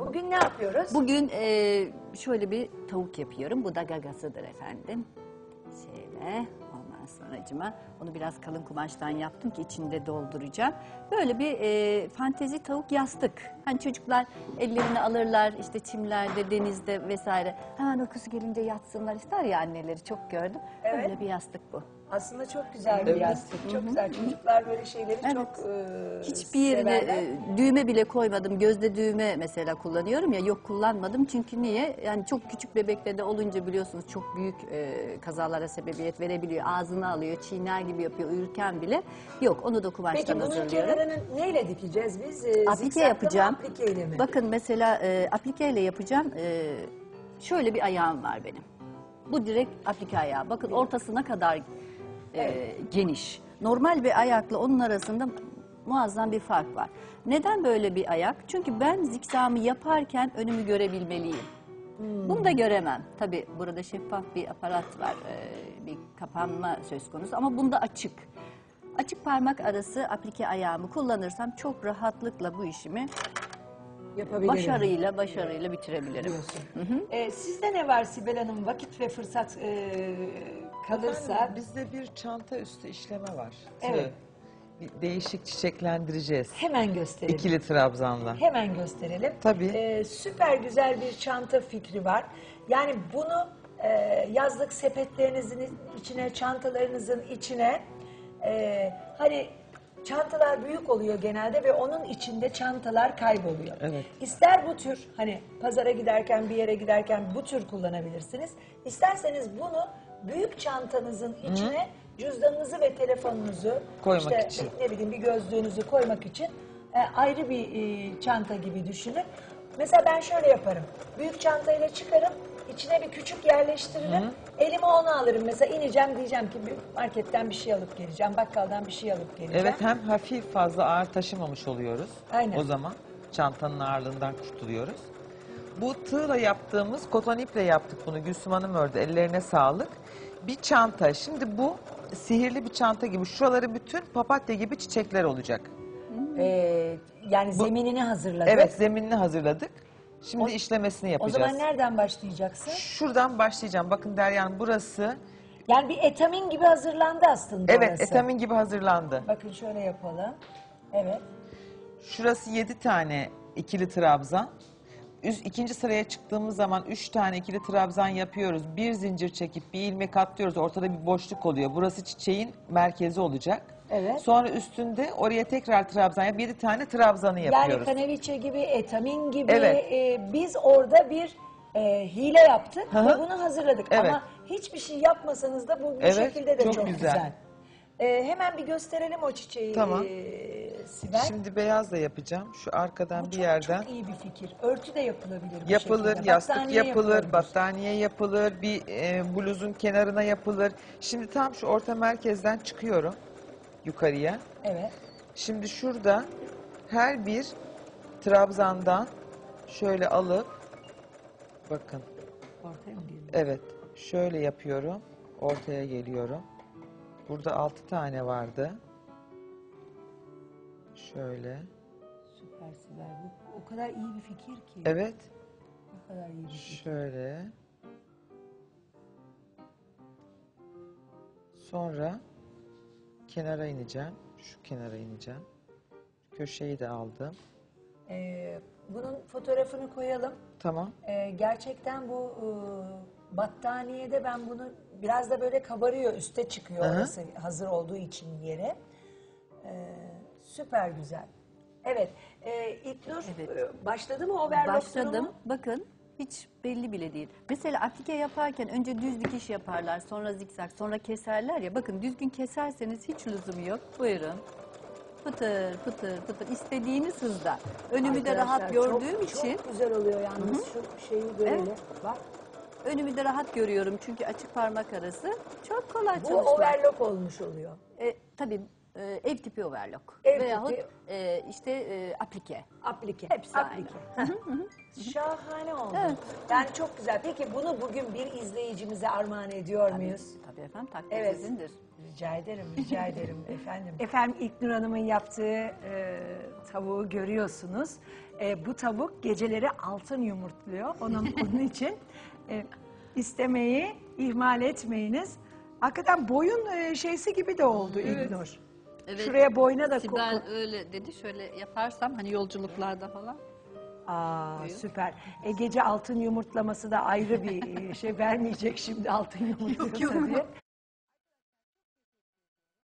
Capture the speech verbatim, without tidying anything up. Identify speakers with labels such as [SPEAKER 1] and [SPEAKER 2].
[SPEAKER 1] Bugün ne yapıyoruz?
[SPEAKER 2] Bugün e, şöyle bir tavuk yapıyorum. Bu da gagasıdır efendim. Şöyle ondan sonracıma onu biraz kalın kumaştan yaptım ki içinde dolduracağım. Böyle bir e, fantezi tavuk yastık. Hani çocuklar ellerini alırlar işte çimlerde, denizde vesaire. Hemen uykusu gelince yatsınlar ister ya anneleri çok gördüm.
[SPEAKER 1] Evet.
[SPEAKER 2] Böyle bir yastık bu.
[SPEAKER 1] Aslında çok güzel bir yastık. Çok güzel. Çocuklar böyle şeyleri
[SPEAKER 2] Evet.
[SPEAKER 1] çok e,
[SPEAKER 2] Hiçbir yerine
[SPEAKER 1] severler.
[SPEAKER 2] e, düğme bile koymadım. Gözde düğme mesela kullanıyorum ya, yok kullanmadım. Çünkü niye? Yani çok küçük bebeklerde olunca biliyorsunuz çok büyük e, kazalara sebebiyet verebiliyor. Ağzını alıyor, çiğner gibi yapıyor uyurken bile. Yok, onu da kumaştan
[SPEAKER 1] Peki bunun
[SPEAKER 2] hazırlıyorum.
[SPEAKER 1] kenarını neyle dikeceğiz biz? E,
[SPEAKER 2] Aplike
[SPEAKER 1] zikzaklı mı,
[SPEAKER 2] yapacağım.
[SPEAKER 1] aplikeyle mi?
[SPEAKER 2] Bakın mesela e, aplikeyle yapacağım. E, şöyle bir ayağım var benim. Bu direkt aplike ayağı. Bakın ortasına kadar e,
[SPEAKER 1] Evet.
[SPEAKER 2] geniş. Normal bir ayakla onun arasında muazzam bir fark var. Neden böyle bir ayak? Çünkü ben zikzamı yaparken önümü görebilmeliyim.
[SPEAKER 1] Hmm.
[SPEAKER 2] Bunu da göremem. Tabii burada şeffaf bir aparat var, e, bir kapanma söz konusu ama bunda açık. Açık parmak arası aplike ayağımı kullanırsam çok rahatlıkla bu işimi
[SPEAKER 1] Yapabilirim.
[SPEAKER 2] başarıyla başarıyla bitirebilirim.
[SPEAKER 1] Diyorsun. E, sizde ne var Sibel Hanım? Vakit ve fırsat e, kalırsa.
[SPEAKER 3] Efendim, bizde bir çanta üstü işleme var.
[SPEAKER 1] Evet.
[SPEAKER 3] Tığ. Bir değişik çiçeklendireceğiz.
[SPEAKER 1] Hemen gösterelim.
[SPEAKER 3] İkili trabzanla.
[SPEAKER 1] Hemen gösterelim.
[SPEAKER 3] Tabii.
[SPEAKER 1] Ee, süper güzel bir çanta fikri var. Yani bunu e, yazlık sepetlerinizin içine, çantalarınızın içine, e, hani çantalar büyük oluyor genelde ve onun içinde çantalar kayboluyor.
[SPEAKER 3] Evet.
[SPEAKER 1] İster bu tür, hani pazara giderken, bir yere giderken bu tür kullanabilirsiniz. İsterseniz bunu büyük çantanızın içine cüzdanınızı ve telefonunuzu,
[SPEAKER 3] Koymak
[SPEAKER 1] işte
[SPEAKER 3] için.
[SPEAKER 1] ne bileyim bir gözlüğünüzü koymak için e, ayrı bir e, çanta gibi düşünün. Mesela ben şöyle yaparım. Büyük çantayla çıkarım, içine bir küçük yerleştiririm. Elime onu alırım. Mesela ineceğim, diyeceğim ki bir marketten bir şey alıp geleceğim, bakkaldan bir şey alıp geleceğim.
[SPEAKER 3] Evet, hem hafif fazla ağır taşımamış oluyoruz.
[SPEAKER 1] Aynen.
[SPEAKER 3] O zaman çantanın ağırlığından kurtuluyoruz. Bu tığla yaptığımız, koton iple yaptık bunu. Gülsüm Hanım ördü. Ellerine sağlık. Bir çanta. Şimdi bu sihirli bir çanta gibi. Şuraları bütün papatya gibi çiçekler olacak.
[SPEAKER 1] Ee, yani zeminini hazırladık.
[SPEAKER 3] Evet, zeminini hazırladık. Şimdi
[SPEAKER 1] O-
[SPEAKER 3] işlemesini
[SPEAKER 1] O
[SPEAKER 3] yapacağız.
[SPEAKER 1] zaman nereden başlayacaksın?
[SPEAKER 3] Şuradan başlayacağım. Bakın Derya Hanım, burası.
[SPEAKER 1] Yani bir etamin gibi hazırlandı aslında
[SPEAKER 3] Evet,
[SPEAKER 1] orası.
[SPEAKER 3] etamin gibi hazırlandı.
[SPEAKER 1] Bakın şöyle yapalım. Evet.
[SPEAKER 3] Şurası yedi tane ikili trabzan. Üst, ikinci sıraya çıktığımız zaman üç tane ikili trabzan yapıyoruz. Bir zincir çekip bir ilmek atlıyoruz. Ortada bir boşluk oluyor. Burası çiçeğin merkezi olacak.
[SPEAKER 1] Evet.
[SPEAKER 3] Sonra üstünde oraya tekrar trabzan yapıp yedi tane trabzanı
[SPEAKER 1] Yani
[SPEAKER 3] yapıyoruz.
[SPEAKER 1] kaneviçe gibi, etamin gibi
[SPEAKER 3] Evet.
[SPEAKER 1] e, biz orada bir e, hile yaptık
[SPEAKER 3] Hı hı.
[SPEAKER 1] ve bunu hazırladık.
[SPEAKER 3] Evet.
[SPEAKER 1] Ama hiçbir şey yapmasanız da bu, bu
[SPEAKER 3] Evet,
[SPEAKER 1] şekilde de çok,
[SPEAKER 3] çok
[SPEAKER 1] güzel.
[SPEAKER 3] güzel.
[SPEAKER 1] E, hemen bir gösterelim o çiçeği
[SPEAKER 3] Tamam.
[SPEAKER 1] e, Sibel.
[SPEAKER 3] Şimdi beyaz da yapacağım. Şu arkadan
[SPEAKER 1] Bu
[SPEAKER 3] bir
[SPEAKER 1] çok,
[SPEAKER 3] yerden.
[SPEAKER 1] çok iyi bir fikir. Örtü de yapılabilir bu
[SPEAKER 3] Yapılır,
[SPEAKER 1] şekilde.
[SPEAKER 3] yastık
[SPEAKER 1] Battaniye
[SPEAKER 3] yapılır,
[SPEAKER 1] yapılabilir.
[SPEAKER 3] battaniye yapılır, bir e, bluzun kenarına yapılır. Şimdi tam şu orta merkezden çıkıyorum yukarıya.
[SPEAKER 1] Evet.
[SPEAKER 3] Şimdi şurada her bir trabzandan şöyle alıp, bakın,
[SPEAKER 1] Ortaya mı geliyor?
[SPEAKER 3] evet, şöyle yapıyorum, ortaya geliyorum. Burada altı tane vardı. Şöyle,
[SPEAKER 1] Süper Sibel. Bu o kadar iyi bir fikir ki.
[SPEAKER 3] evet,
[SPEAKER 1] Ne kadar iyi bir fikir.
[SPEAKER 3] şöyle. Sonra kenara ineceğim, şu kenara ineceğim. Köşeyi de aldım.
[SPEAKER 1] Ee, bunun fotoğrafını koyalım.
[SPEAKER 3] Tamam.
[SPEAKER 1] Ee, gerçekten bu e, battaniyede ben bunu biraz da böyle kabarıyor, üste çıkıyor
[SPEAKER 3] Hı hı.
[SPEAKER 1] orası hazır olduğu için yere. Ee, süper güzel. Evet, e, İlknur
[SPEAKER 2] Evet.
[SPEAKER 1] e, başladı mı overlock
[SPEAKER 2] Başladım.
[SPEAKER 1] durumu?
[SPEAKER 2] Bakın hiç belli bile değil. Mesela aplike yaparken önce düz dikiş yaparlar, sonra zikzak, sonra keserler ya. Bakın düzgün keserseniz hiç lüzumu yok. Buyurun. Pıtır pıtır pıtır istediğiniz hızda. Önümü de rahat
[SPEAKER 1] Arkadaşlar,
[SPEAKER 2] gördüğüm
[SPEAKER 1] çok,
[SPEAKER 2] için
[SPEAKER 1] Çok güzel oluyor yalnız şu şeyi böyle.
[SPEAKER 2] Evet.
[SPEAKER 1] Bak,
[SPEAKER 2] önümü de rahat görüyorum çünkü açık parmak arası. Çok kolay
[SPEAKER 1] bu
[SPEAKER 2] çalışmak.
[SPEAKER 1] overlock olmuş oluyor.
[SPEAKER 2] E, tabii e, ev tipi overlock.
[SPEAKER 1] Ev
[SPEAKER 2] Veyahut
[SPEAKER 1] tipi.
[SPEAKER 2] e, işte e, aplike.
[SPEAKER 1] Aplike.
[SPEAKER 2] Hepsi
[SPEAKER 1] Aplike. Şahane oldu.
[SPEAKER 2] Evet.
[SPEAKER 1] Yani çok güzel. Peki bunu bugün bir izleyicimize armağan ediyor muyuz?
[SPEAKER 2] Tabii efendim takdir
[SPEAKER 1] Evet.
[SPEAKER 2] sizindir.
[SPEAKER 1] Rica ederim, rica ederim efendim.
[SPEAKER 4] Efendim İlknur Hanım'ın yaptığı e, tavuğu görüyorsunuz. E, bu tavuk geceleri altın yumurtluyor. Onun, onun için e, istemeyi ihmal etmeyiniz. Hakikaten boyun e, şeysi gibi de oldu İlknur.
[SPEAKER 2] Evet,
[SPEAKER 4] Şuraya boyuna da
[SPEAKER 2] Sibel
[SPEAKER 4] koku.
[SPEAKER 2] öyle dedi. Şöyle yaparsam hani yolculuklarda falan.
[SPEAKER 4] Aa, süper. E, gece altın yumurtlaması da ayrı bir e, şey vermeyecek şimdi altın yumurtluyorsa diye.